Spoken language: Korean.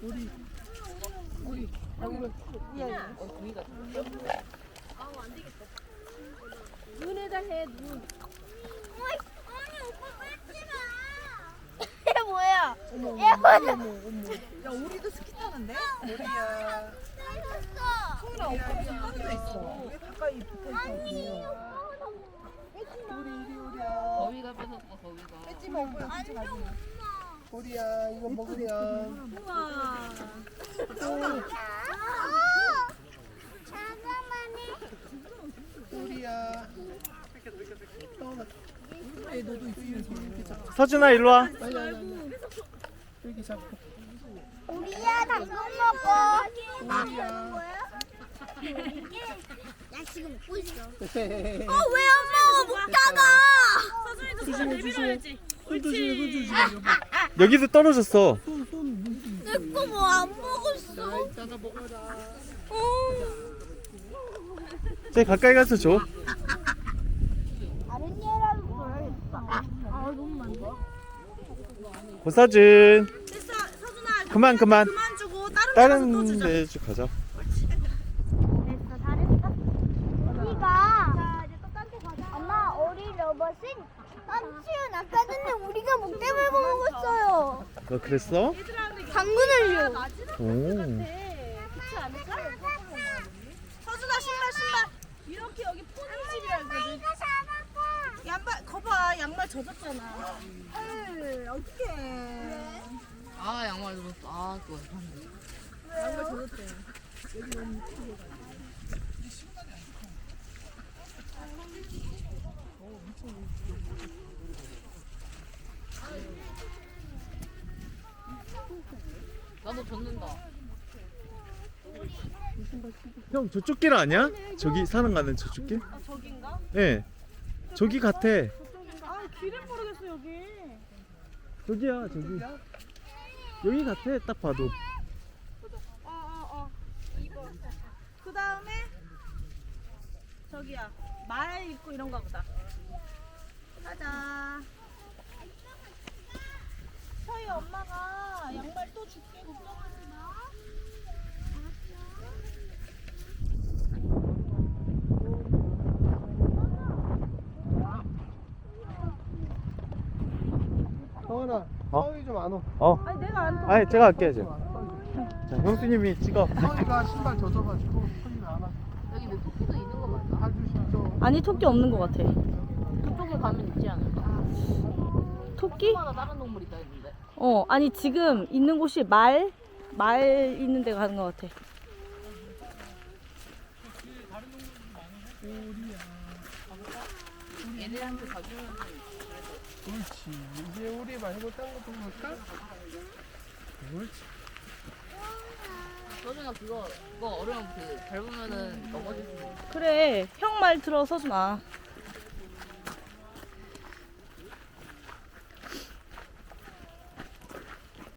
눈에다 해, 눈. 아니 오빠 뺏지 마. 얘 뭐야? 얘 뭐야? 야 우리도 스키 타는데? 우리야. 뺏었어. 소은아 오빠 떨어져 있어. 왜 가까이 붙어 있어? 우리야. 거위가 뺏었어, 거위가. 뺏지 마 오빠야 같이 가지. 우리야 이거 먹으렴. 우와. 잠깐만요. 우리야. 왜 너도 있으면서 이렇게 잡고. 서준아 일로 와. 이렇게 잡고. 우리야 당근 먹어. 우리야. 나 지금 먹고 있어. 왜 왜 안 먹어? 먹다가. 서준이도 손 내밀어야지. 손 조심해. 여기도 떨어졌어. 내거 뭐 안 먹었어. 이따가 먹어라. 쟤 가까이 가서 줘. 다른 얘라도 줘야겠다. 너무 많네. 고서준. 됐어, 서준아. 그만. 그만 주고 다른 데 가서 또 다른 주자. 데 가자. 됐어, 잘했어. 우리가 엄마 우리 로봇은 삼촌 아까 전에 우리가 목대물 먹었어요. 너 그랬어? 당근을요. 오. 그렇지 않을까? 서준아, 신발. 이렇게 여기 포니집이라 그러거든. 양말, 거봐, 양말 젖었잖아. 에이, 어떡해. 아 양말 젖었어. 아 그거. 양말 젖었대. 나도 젖는다. 형 저쪽 길 아니야? 저기 사람 가는 저쪽 길? 아, 저긴가? 예. 저기 같아. 아, 길을 모르겠어, 여기. 저기야 저기. 여기 같아 딱 봐도. 이거. 그 다음에 저기야, 말 있고 이런가 보다. 가자. 서희 엄마가 양말 또 줄게. 걱정하지 마. 서은아. 어? 서희 좀 안 오. 아니, 내가 안 타. 아니 제가 할게요 제가. 자 형수님이 찍어. 서희가 신발 젖어가지고 서희가 안 와. 여기 내 토끼도 있는 거 맞나? 봐주시죠. 아니, 토끼 없는 것 같아. 그쪽에 가면 있지 않을까? 토끼? 마다 다른 동물 있다 했는데. 아니, 지금 있는 곳이 말 있는 데 가는 것 같아. 얘들한테 가주면 그렇지. 이제 우리 말고 딴 것도 볼까? 그렇지. 서준아 그거 어려운 그 밟으면은 넘어질 수 있어. 그래, 형 말 들어, 서준아.